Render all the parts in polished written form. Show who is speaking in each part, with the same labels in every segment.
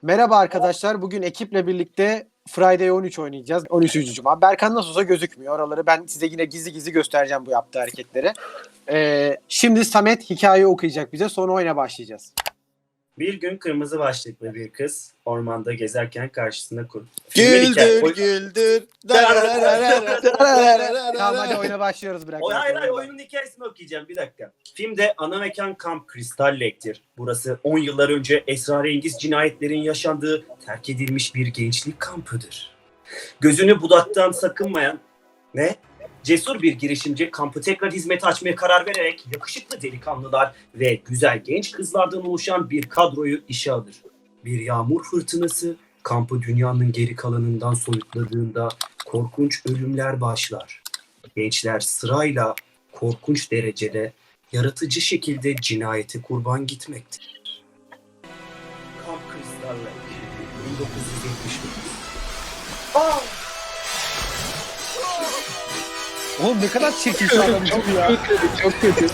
Speaker 1: Merhaba arkadaşlar. Bugün ekiple birlikte Friday 13 oynayacağız. 13. Cuma. Berkan nasıl olsa gözükmüyor. Oraları ben size yine gizli gizli göstereceğim bu yaptığı hareketleri. Şimdi Samet hikaye okuyacak bize. Sonra oyuna başlayacağız.
Speaker 2: Bir gün kırmızı başlıklı bir kız ormanda gezerken karşısında Filmin
Speaker 3: Güldür güldür.
Speaker 1: Tamam hadi oyuna başlıyoruz. Bırak.
Speaker 2: Hayır oyunun hikayesini okuyacağım bir dakika. Filmde ana mekan Kamp Crystal Lake'tir. Burası 10 yıllar önce esrarengiz cinayetlerin yaşandığı terk edilmiş bir gençlik kampıdır. Gözünü budaktan sakınmayan cesur bir girişimci kampı tekrar hizmete açmaya karar vererek yakışıklı delikanlılar ve güzel genç kızlardan oluşan bir kadroyu işe alır. Bir yağmur fırtınası kampı dünyanın geri kalanından soyutladığında korkunç ölümler başlar. Gençler sırayla korkunç derecede yaratıcı şekilde cinayete kurban gitmektedir. Kamp Crystal Lake 1979.
Speaker 1: Oğlum ne kadar çirkin şu adam ya.
Speaker 3: Çok kötü.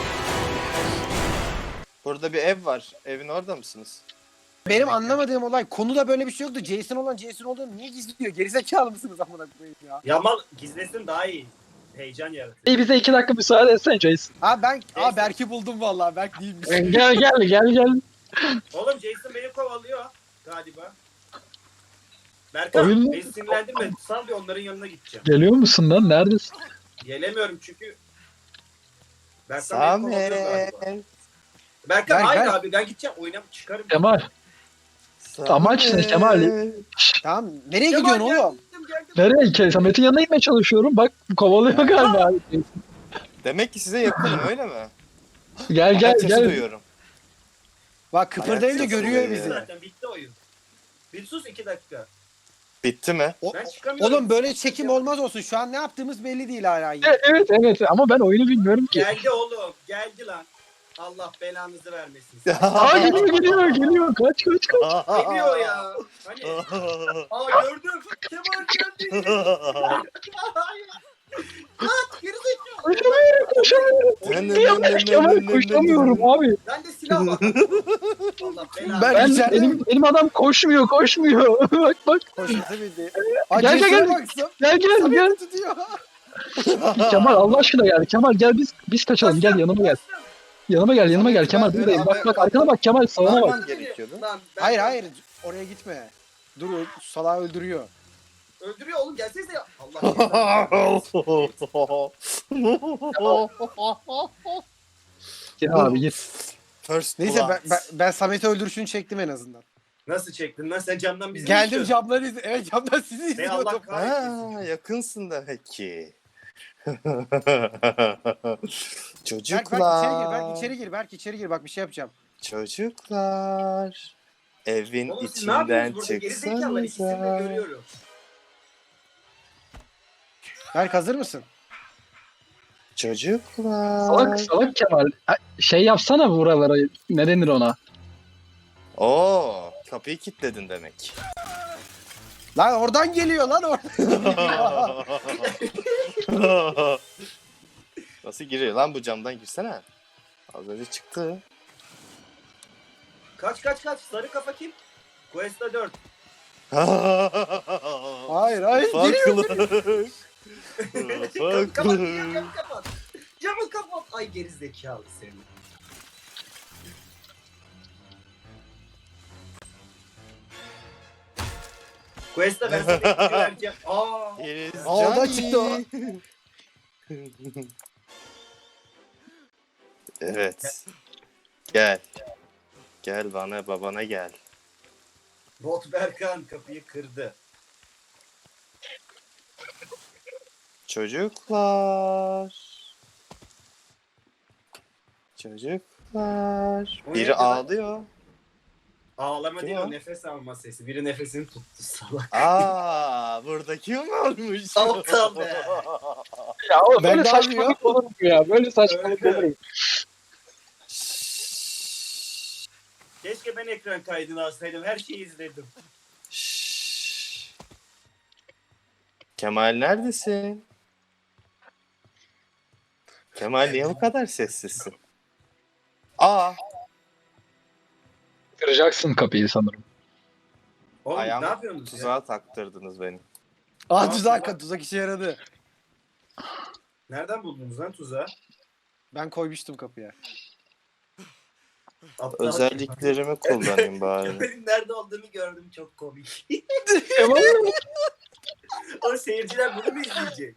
Speaker 3: Burada bir ev var. Evin orada mısınız?
Speaker 1: Benim anlamadığım olay konuda böyle bir şey yoktu. Jason olan Jason olduğunu niye gizliyor? Gerizekalı mısınız amına koyayım ya?
Speaker 2: Yamal gizlesin daha iyi. Heyecan yaratır.
Speaker 4: İyi bize 2 dakika müsaade etsen Jason.
Speaker 1: Berk'i buldum vallahi. Berk değilmiş.
Speaker 4: Gel.
Speaker 2: Oğlum Jason beni kovalıyor galiba. Berkan
Speaker 4: Oyun-
Speaker 2: beni sinirlendirme. Sal bir onların yanına gideceğim.
Speaker 4: Geliyor musun lan? Neredesin?
Speaker 2: Gelemiyorum çünkü. Berkan beni kovalıyor galiba.
Speaker 3: Samet.
Speaker 2: Berkan
Speaker 1: Berk,
Speaker 2: hayır
Speaker 1: Berk.
Speaker 2: abi ben gideceğim oyuna çıkarım.
Speaker 4: Kemal. Amaç ne Kemal?
Speaker 1: Tamam. Nereye
Speaker 2: Kemal,
Speaker 1: gidiyorsun oğlum?
Speaker 2: geldim.
Speaker 4: Nereye? Samet'in yanına gitmeye çalışıyorum. Bak kovalıyor galiba.
Speaker 3: Demek ki size yakınım öyle mi?
Speaker 4: Gel
Speaker 3: Ayak sesi
Speaker 4: gel.
Speaker 3: duyuyorum.
Speaker 1: Bak kıpırdayınca
Speaker 3: Ayak sesi
Speaker 1: görüyor
Speaker 3: duyuyor.
Speaker 1: bizi.
Speaker 2: Zaten bitti oyun. Bir sus 2 dakika.
Speaker 3: Bitti mi?
Speaker 2: Ben çıkamıyorum.
Speaker 1: Oğlum böyle çekim olmaz olsun. Şu an ne yaptığımız belli değil hala.
Speaker 4: Evet ama ben oyunu bilmiyorum ki.
Speaker 2: Geldi oğlum. Geldi lan. Allah belanızı vermesin.
Speaker 4: Aa geliyor. Kaç.
Speaker 2: Geliyor ya. Hani. Gördüm. Kemal geldi. Hayır. Kaç gerizekalı.
Speaker 4: Koşamıyorum. Kemal koşamıyorum abi.
Speaker 2: Bende silah var. Allah belanı.
Speaker 1: Ben içeride-
Speaker 4: Benim adam koşmuyor. bak.
Speaker 1: Koşması bildi.
Speaker 4: Gel, gel.
Speaker 1: Baksın.
Speaker 4: Gel.
Speaker 1: Samet'i tutuyor.
Speaker 4: Kemal Allah aşkına gel. Kemal gel biz kaçalım. Gel yanıma gel. Yanıma gel Kemal
Speaker 3: Ben
Speaker 4: buradayım.
Speaker 3: böyle
Speaker 4: Bak arkana bak Kemal sağına bak.
Speaker 3: Bağırmam gerekiyordu.
Speaker 2: Lan,
Speaker 1: Hayır. Oraya gitme. Dur salağı öldürüyor.
Speaker 2: Öldürüyor oğlum gelsenize ya. Allah
Speaker 4: Gel abi git.
Speaker 3: First
Speaker 1: Neyse
Speaker 3: blood.
Speaker 1: ben Samet'i öldürüşünü çektim en azından.
Speaker 2: Nasıl çektin lan sen camdan bizi mi
Speaker 1: Geldim
Speaker 2: izliyordun?
Speaker 1: camları evet camdan sizi
Speaker 2: Ey Allah
Speaker 1: izliyordum.
Speaker 2: kahretsin.
Speaker 3: Ha, yakınsın demek ki.
Speaker 1: Berk
Speaker 3: Çocuklar.
Speaker 1: içeri gir bak bir şey yapacağım.
Speaker 3: Çocuklar. Evin
Speaker 2: Oğlum siz ne
Speaker 3: içinden
Speaker 2: yapıyorsunuz burada? Gerizekalılar ikisini de
Speaker 3: çıksanıza.
Speaker 2: görüyorum.
Speaker 1: Berk hazır mısın?
Speaker 3: Çocuklar.
Speaker 4: Salak Kemal. Şey yapsana buralara. Ne denir ona?
Speaker 3: Oo, kapıyı kilitledin demek.
Speaker 1: Lan oradan geliyor lan oradan.
Speaker 3: Nasıl giriyor lan bu camdan girsene. Az önce çıktı.
Speaker 2: Kaç sarı kafa kim? Questa 4.
Speaker 1: Hayır geliyor.
Speaker 2: Kapat camı kapat. Camı kapat. Ay gerizekalı seni. Questa ben sana güverken.
Speaker 1: Ağda çıktı o.
Speaker 3: Evet. Gel. Gel babana gel.
Speaker 2: Bot Berkan kapıyı kırdı.
Speaker 3: Çocuklar. Çocuklar.
Speaker 2: O
Speaker 3: Biri
Speaker 2: neydi lan?
Speaker 3: ağlıyor.
Speaker 2: Ağlama
Speaker 3: Kim
Speaker 2: değil
Speaker 3: o?
Speaker 2: o nefes alma sesi. Biri nefesini tuttu salak.
Speaker 3: Burada kim olmuş?
Speaker 2: Aptal be.
Speaker 4: Ya oğlum
Speaker 1: Ben
Speaker 4: böyle
Speaker 1: de
Speaker 4: saçmalık olur mu ya? Böyle saçmalık olur mu?
Speaker 2: Keşke ben ekran kaydını alsaydım. Her şeyi izledim.
Speaker 3: Şşş. Kemal neredesin? Kemal niye bu kadar sessizsin?
Speaker 4: Kıracaksın kapıyı sanırım.
Speaker 2: Oğlum ne
Speaker 3: Ayağımı
Speaker 2: yapıyorsunuz ya?
Speaker 3: tuzağa taktırdınız beni.
Speaker 1: Aa tuzak işe yaradı.
Speaker 2: Nereden buldunuz lan tuzağı?
Speaker 1: Ben koymuştum kapıya.
Speaker 2: Aptal.
Speaker 3: Özelliklerimi kullanayım bari.
Speaker 2: Kemal'in nerede olduğunu gördüm, çok komik.
Speaker 4: Kemal
Speaker 2: O seyirciler bunu mu izleyecek?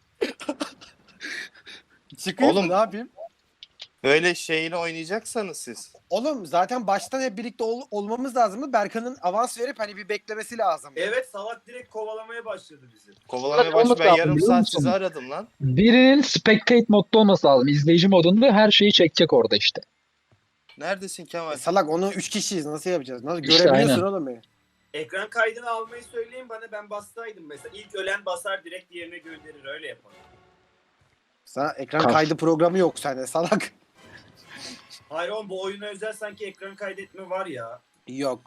Speaker 1: Çıkayım mı
Speaker 3: Oğlum.
Speaker 1: ne yapayım?
Speaker 3: Böyle şeyini oynayacaksanız siz.
Speaker 1: Oğlum zaten baştan hep birlikte olmamız lazımdı. Berkan'ın avans verip hani bir beklemesi lazım.
Speaker 2: Evet, salak direkt kovalamaya başladı bizi.
Speaker 3: Kovalamaya
Speaker 4: Olması
Speaker 3: baş ben
Speaker 4: lazım,
Speaker 3: yarım
Speaker 4: biliyor
Speaker 3: saat
Speaker 4: musun?
Speaker 3: sizi aradım lan.
Speaker 4: birinin spectate modda olması lazım. İzleyici modunda her şeyi çekecek orada işte.
Speaker 3: Neredesin Kemal?
Speaker 1: Salak onu 3 kişiyiz nasıl yapacağız? Nasıl
Speaker 4: İşte
Speaker 1: görebiliyorsun
Speaker 4: aynen.
Speaker 1: oğlum beni?
Speaker 2: Ekran kaydını almayı söyleyin bana, ben bastaydım mesela. İlk ölen basar, direkt diğerine gönderir, öyle yapalım.
Speaker 1: Sana ekran
Speaker 4: Kaf.
Speaker 1: kaydı programı yok sende salak.
Speaker 2: Hayır oğlum, bu oyuna özel sanki ekran kaydetme var ya.
Speaker 1: Yok.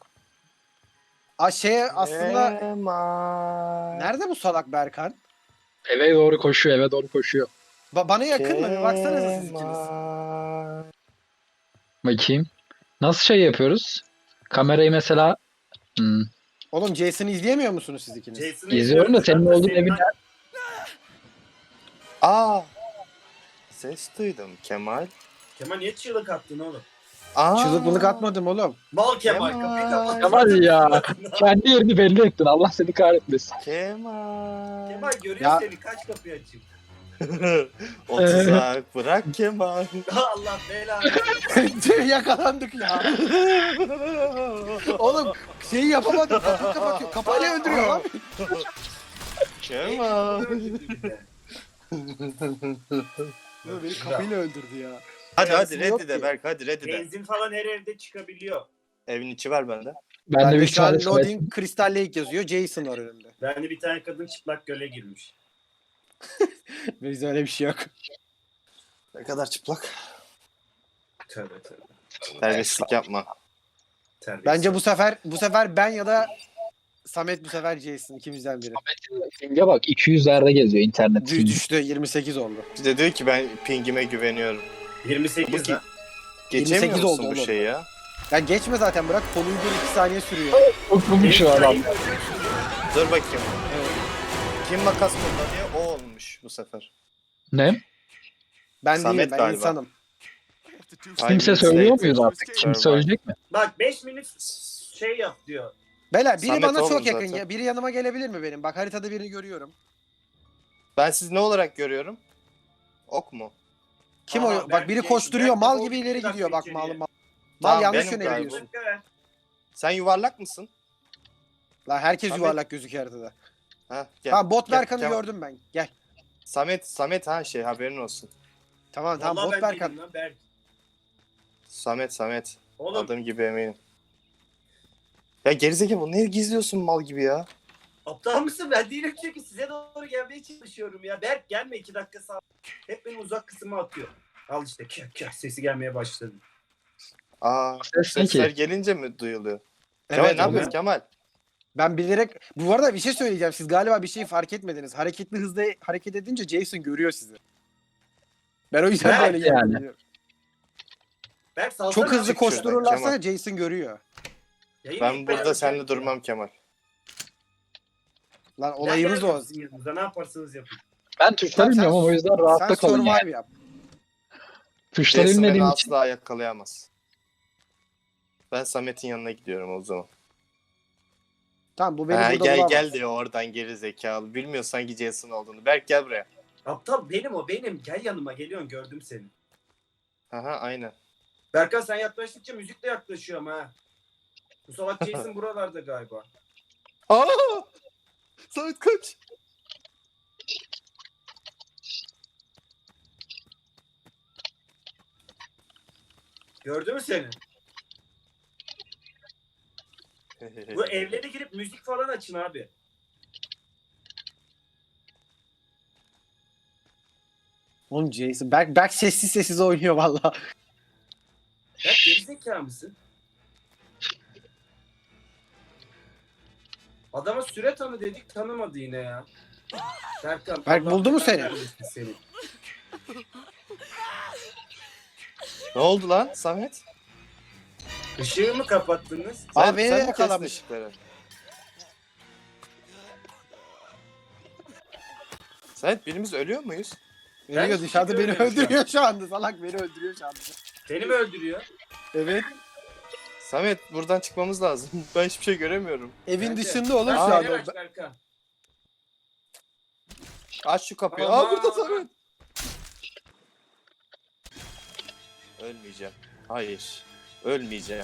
Speaker 1: Aslında
Speaker 3: Kemal.
Speaker 1: nerede bu salak Berkan?
Speaker 4: Eve doğru koşuyor, eve doğru koşuyor.
Speaker 1: Bana yakın mı? Bir baksanıza siz ikiniz.
Speaker 3: Kemal.
Speaker 4: Bakayım. Nasıl şey yapıyoruz? Kamerayı mesela
Speaker 1: Oğlum Jason'ı izleyemiyor musunuz siz ikiniz?
Speaker 2: Jason'ı
Speaker 4: izliyorum da senin
Speaker 2: zaten
Speaker 4: olduğun evin
Speaker 3: Aa. Ses duydum Kemal.
Speaker 2: Kemal niye çığlık attın oğlum?
Speaker 3: Aa.
Speaker 1: Çığlık atmadım oğlum.
Speaker 2: Mal Kemal,
Speaker 3: Kemal.
Speaker 2: kapıyı kapat.
Speaker 4: Kemal ya. Kendi yerini belli ettin. Allah seni kahretmesin.
Speaker 3: Kemal.
Speaker 2: Kemal görüyor
Speaker 1: Ya-
Speaker 2: seni, kaç kapıyı açayım.
Speaker 3: O tuzak bırak Kemal.
Speaker 2: Allah belanı.
Speaker 1: Tüh, yakalandık ya. Oğlum şeyi yapamadım. Kapıyı kapatıyor. Kapıyla öldürüyor lan.
Speaker 3: Kemal.
Speaker 1: Beni kapıyla öldürdü ya.
Speaker 3: Hadi
Speaker 1: Yarısında yok
Speaker 3: reddi de
Speaker 1: ki.
Speaker 3: Berk hadi reddi de.
Speaker 2: Benzin falan her evde çıkabiliyor.
Speaker 3: Evin içi var bende.
Speaker 4: Ben de
Speaker 1: Bende
Speaker 4: 3
Speaker 1: şu an
Speaker 4: tane Samet.
Speaker 1: Loading Crystal Lake yazıyor. Jason var önümde.
Speaker 2: Bende bir tane kadın çıplak göle girmiş.
Speaker 1: Bizde öyle bir şey yok.
Speaker 3: Ne kadar çıplak.
Speaker 2: Tövbe tövbe.
Speaker 3: Terbiyesizlik yapma.
Speaker 2: Terbiyesiz.
Speaker 1: Bence bu sefer ben ya da Samet bu sefer Jason ikimizden biri.
Speaker 4: Ping'e bak 200'lerde geziyor internet.
Speaker 1: Düştü 28 oldu.
Speaker 3: Bir de diyor ki ben pingime güveniyorum.
Speaker 2: 28
Speaker 3: Bu
Speaker 2: lan.
Speaker 3: Geçemiyor
Speaker 1: 28
Speaker 3: musun
Speaker 1: oldu
Speaker 3: bu
Speaker 1: oğlum.
Speaker 3: şeyi ya?
Speaker 1: Ya geçme zaten bırak konuyu bir 2 saniye sürüyor.
Speaker 4: Okumuş şu adam.
Speaker 3: Dur bakayım. Kim makas kullanıyor? O olmuş bu sefer.
Speaker 4: Ne?
Speaker 1: Ben
Speaker 3: Samet
Speaker 1: değilim ben
Speaker 3: galiba.
Speaker 1: insanım.
Speaker 4: Kimse söylüyor muyuz artık? Kim söyleyecek mi?
Speaker 2: Bak 5 minut şey yap diyor.
Speaker 1: Beyler biri
Speaker 3: Samet
Speaker 1: bana
Speaker 3: oğlum
Speaker 1: çok yakın
Speaker 3: zaten.
Speaker 1: ya. Biri yanıma gelebilir mi benim? Bak haritada birini görüyorum.
Speaker 3: Ben sizi ne olarak görüyorum? Ok mu?
Speaker 1: Kim
Speaker 2: Aa,
Speaker 1: o? Bak
Speaker 2: Berk
Speaker 1: biri
Speaker 2: geçti.
Speaker 1: koşturuyor
Speaker 2: Berk de
Speaker 1: mal
Speaker 2: boş
Speaker 1: gibi
Speaker 2: bir
Speaker 1: ileri
Speaker 2: dakika
Speaker 1: gidiyor bak
Speaker 2: içeriye.
Speaker 1: mal mal. Mal
Speaker 3: Tamam,
Speaker 1: yanlış
Speaker 3: benim
Speaker 1: yöne
Speaker 3: galiba.
Speaker 1: gidiyorsun.
Speaker 3: Sen yuvarlak mısın?
Speaker 1: Lan herkes
Speaker 3: Samet.
Speaker 1: yuvarlak gözüküyor haritada.
Speaker 3: Ha, gel.
Speaker 1: Tamam bot
Speaker 3: Gel,
Speaker 1: Berkan'ı
Speaker 3: Kemal.
Speaker 1: gördüm ben. Gel.
Speaker 3: Samet ha şey haberin olsun.
Speaker 1: Tamam tamam
Speaker 2: Vallahi
Speaker 1: bot
Speaker 2: ben
Speaker 1: Berkan.
Speaker 2: değilim lan Berk.
Speaker 3: Samet.
Speaker 2: Oğlum
Speaker 3: Adım gibi eminim. Ya gerizekalı bu ne gizliyorsun mal gibi ya?
Speaker 2: aptal mısın? Ben değilim çünkü size doğru gelmeye çalışıyorum ya. Berk gelme 2 dakika sağ. Hep beni uzak kısma atıyor. Al işte kah sesi gelmeye başladı.
Speaker 3: Aa,
Speaker 4: Ses ne
Speaker 3: sesler
Speaker 4: ki?
Speaker 3: gelince mi duyuluyor? Kemal
Speaker 1: Evet,
Speaker 3: ne yapıyorsun
Speaker 1: evet.
Speaker 3: Kemal?
Speaker 1: Ben bilerek bu arada bir şey söyleyeceğim. Siz galiba bir şeyi fark etmediniz. Hareketli hızda hareket edince Jason görüyor sizi. Ben o yüzden
Speaker 2: Berk
Speaker 1: böyle
Speaker 4: yani.
Speaker 1: yapıyorum.
Speaker 2: Berk salsana.
Speaker 1: Çok hızlı
Speaker 3: Çık şuradan,
Speaker 1: koştururlarsa
Speaker 3: Kemal.
Speaker 1: Jason görüyor.
Speaker 2: Yayını
Speaker 3: Ben
Speaker 2: ilk
Speaker 3: burada
Speaker 2: ben
Speaker 3: seninle
Speaker 2: alacağım.
Speaker 3: durmam Kemal.
Speaker 1: Lan
Speaker 2: Ben
Speaker 1: olayımız o.
Speaker 2: gelmem sizin yanınıza, ne yaparsanız yapın.
Speaker 4: Ben tuşları bilmiyorum ama o yüzden rahatta
Speaker 1: Sen
Speaker 4: kalın yani.
Speaker 1: survive yap.
Speaker 4: Tuşları
Speaker 3: Jason beni
Speaker 4: bilmediğim için.
Speaker 3: asla yakalayamaz. Ben Samet'in yanına gidiyorum o zaman.
Speaker 1: Tamam bu beni
Speaker 3: Ha,
Speaker 1: burada
Speaker 3: gel
Speaker 1: bulamaz.
Speaker 3: gel diyor oradan geri zekalı. Bilmiyor sanki Jason olduğunu. Berk gel buraya.
Speaker 2: Aptal benim o benim. Gel yanıma, geliyorsun, gördüm seni.
Speaker 3: Aha aynen.
Speaker 2: Berkan sen yaklaştıkça müzik de yaklaşıyor ama ha. Bu salak Jason buralarda galiba.
Speaker 3: Aa! Samet kaç.
Speaker 2: Gördü mü seni? Bu evlere girip müzik falan açın abi.
Speaker 1: Oğlum Jason. Berk sessiz sessiz oynuyor valla.
Speaker 2: Berk gerizekalı mısın? Adama süre tanı dedik, tanımadı yine ya. Berkan,
Speaker 1: Berk
Speaker 2: Allah
Speaker 1: buldu mu
Speaker 2: belanı
Speaker 1: seni?
Speaker 2: vermesin seni?
Speaker 3: Ne oldu lan Samet?
Speaker 2: Işığı mı kapattınız?
Speaker 1: Aa,
Speaker 3: Sen
Speaker 1: beni
Speaker 3: mi
Speaker 1: yakalamış.
Speaker 3: kestin ışıkları? Samet birimiz ölüyor muyuz?
Speaker 1: Ölüyor
Speaker 2: hiçbir
Speaker 1: dışarıda
Speaker 2: şey
Speaker 1: beni
Speaker 2: görmüyorum şu an.
Speaker 1: öldürüyor şu anda. Salak beni öldürüyor şu anda.
Speaker 2: Seni mi öldürüyor?
Speaker 1: Evet.
Speaker 3: Samet buradan çıkmamız lazım. Ben hiçbir şey göremiyorum.
Speaker 1: Evin
Speaker 2: Bence.
Speaker 1: dışında oğlum şu
Speaker 2: Aa,
Speaker 1: anda.
Speaker 2: beni aç Berkan.
Speaker 3: Aç şu kapıyı.
Speaker 2: Aman.
Speaker 3: Aa burada Samet. Ölmeyeceğim. Hayır. Ölmeyeceğim.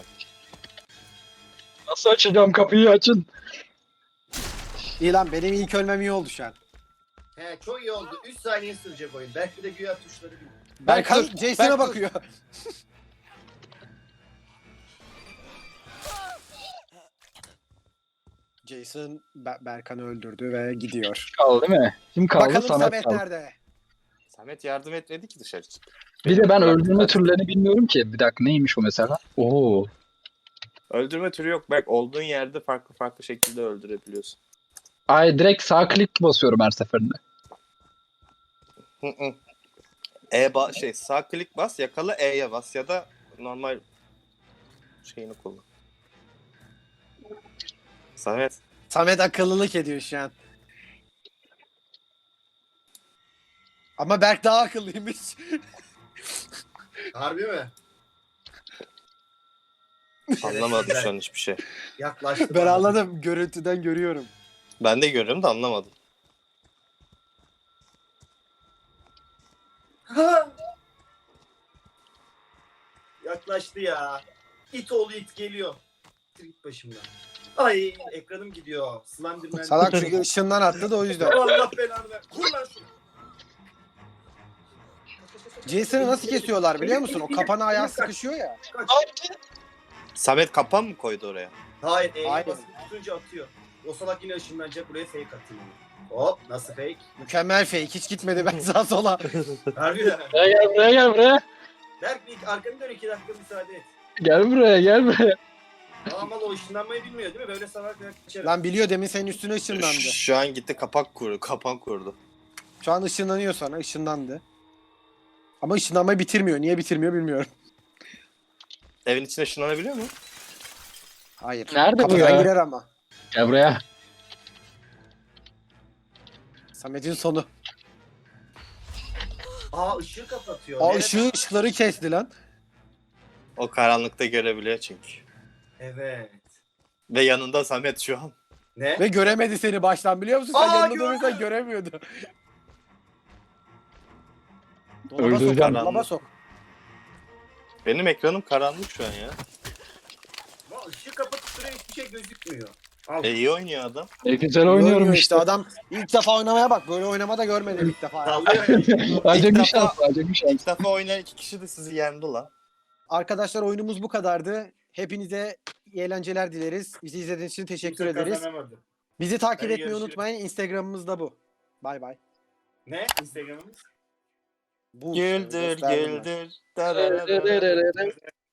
Speaker 4: Nasıl açacağım kapıyı açın.
Speaker 1: İyi lan benim ilk ölmem iyi oldu şu an.
Speaker 2: He çok iyi oldu. 3 saniye sürecek oyun. Belki de güya tuşları bilmiyor.
Speaker 1: Berkan
Speaker 3: dur,
Speaker 1: Jason'a
Speaker 3: Berk dur.
Speaker 1: bakıyor. Jason Berkan'ı öldürdü ve gidiyor.
Speaker 4: Kaldı değil mi? Kim kaldı?
Speaker 1: Bakalım
Speaker 4: Samet
Speaker 1: Samet
Speaker 4: kaldı.
Speaker 1: nerede?
Speaker 3: Samet yardım etmedi ki dışarı çık.
Speaker 4: Bir de ben
Speaker 3: Bırak-
Speaker 4: öldürme türlerini bilmiyorum ki. Bir dakika neymiş o mesela? Oo.
Speaker 3: Öldürme türü yok. Bak olduğun yerde farklı farklı şekilde öldürebiliyorsun.
Speaker 4: Ay direkt sağ klik basıyorum her seferinde.
Speaker 3: Hı hı. Sağ klik bas, yakala E'ye bas ya da normal şeyini kullan. Samet.
Speaker 1: Samet akıllılık ediyor şu an. Ama Berk daha akıllıymış.
Speaker 2: Harbi mi?
Speaker 3: Anlamadım şu an hiçbir şey.
Speaker 2: Yaklaştı.
Speaker 1: Ben
Speaker 2: bana.
Speaker 1: anladım. Görüntüden görüyorum.
Speaker 3: Ben de görüyorum da anlamadım.
Speaker 2: Ha! Yaklaştı ya. İt oğlu it geliyor. Git başımdan. Ay ekranım gidiyor. Slenderman.
Speaker 1: Salak çünkü ışından attı da o yüzden.
Speaker 2: Allah belanı ver. Kur lan şunu.
Speaker 1: Jason'ı nasıl kesiyorlar biliyor musun? O kapana ayağı sıkışıyor ya.
Speaker 2: Kaç.
Speaker 3: Samet kapan mı koydu oraya?
Speaker 2: Hayır, E'ye
Speaker 1: Hayır.
Speaker 2: basıp tutunca atıyor. O salak yine ışınlanacak, buraya fake atayım. Hop, nasıl fake?
Speaker 1: Mükemmel fake. Hiç gitmedi ben sağa sola.
Speaker 2: Harbiden.
Speaker 4: Buraya gel buraya gel buraya.
Speaker 2: Berk bir arkanı dön 2 dakika müsaade et.
Speaker 4: Gel buraya gel buraya.
Speaker 2: Ama o ışınlanmayı bilmiyor değil mi? Böyle salak kaçarım.
Speaker 1: Lan biliyor demin senin üstüne ışınlandı.
Speaker 3: Şu an gitti kapan kurdu.
Speaker 1: Şu an ışınlanıyor sana. Işınlandı. Ama ışınlanmayı bitirmiyor. Niye bitirmiyor bilmiyorum.
Speaker 3: Evin içine ışınlanabiliyor mu?
Speaker 1: Hayır.
Speaker 4: Nerede bu
Speaker 1: Kapıdan
Speaker 4: ya?
Speaker 1: girer ama.
Speaker 4: Gel buraya.
Speaker 1: Samet'in sonu.
Speaker 2: Aa ışığı kapatıyor.
Speaker 1: Aa
Speaker 2: Nereden?
Speaker 1: ışıkları kesti lan.
Speaker 3: O karanlıkta görebiliyor çünkü.
Speaker 2: Evet.
Speaker 3: Ve yanında Samet şu an.
Speaker 2: Ne?
Speaker 1: Ve göremedi seni baştan biliyor musun? Sen
Speaker 2: Aa,
Speaker 1: yanında
Speaker 2: gördüm.
Speaker 1: durursan göremiyordu. Dolaba sok,
Speaker 4: Öldüreceğim.
Speaker 1: dolaba sok.
Speaker 3: Benim ekranım karanlık şu an ya.
Speaker 2: Aa, ışığı kapatıp duruyor, hiçbir şey gözükmüyor. Al.
Speaker 3: İyi oynuyor adam.
Speaker 4: Güzel oynuyorum
Speaker 1: Oynuyor
Speaker 4: işte.
Speaker 1: Adam ilk defa oynamaya bak. Böyle oynama da görmedim ilk defa.
Speaker 2: Sallıyor ya.
Speaker 4: Acemi
Speaker 3: İlk
Speaker 4: şans,
Speaker 3: defa-
Speaker 4: acemi şans.
Speaker 3: İlk defa oynayan 2 kişi de sizi yendi lan.
Speaker 1: Arkadaşlar oyunumuz bu kadardı. Hepinize iyi eğlenceler dileriz. Bizi izlediğiniz için teşekkür
Speaker 2: Kimse
Speaker 1: ederiz.
Speaker 2: kazanamadı.
Speaker 1: Bizi takip
Speaker 2: Hadi
Speaker 1: etmeyi
Speaker 2: görüşürüz.
Speaker 1: unutmayın. Instagram'ımız da bu. Bay bay.
Speaker 2: Ne? Instagram'ımız?
Speaker 1: Bu
Speaker 3: Güldür
Speaker 1: gösterdim ben.
Speaker 3: güldür.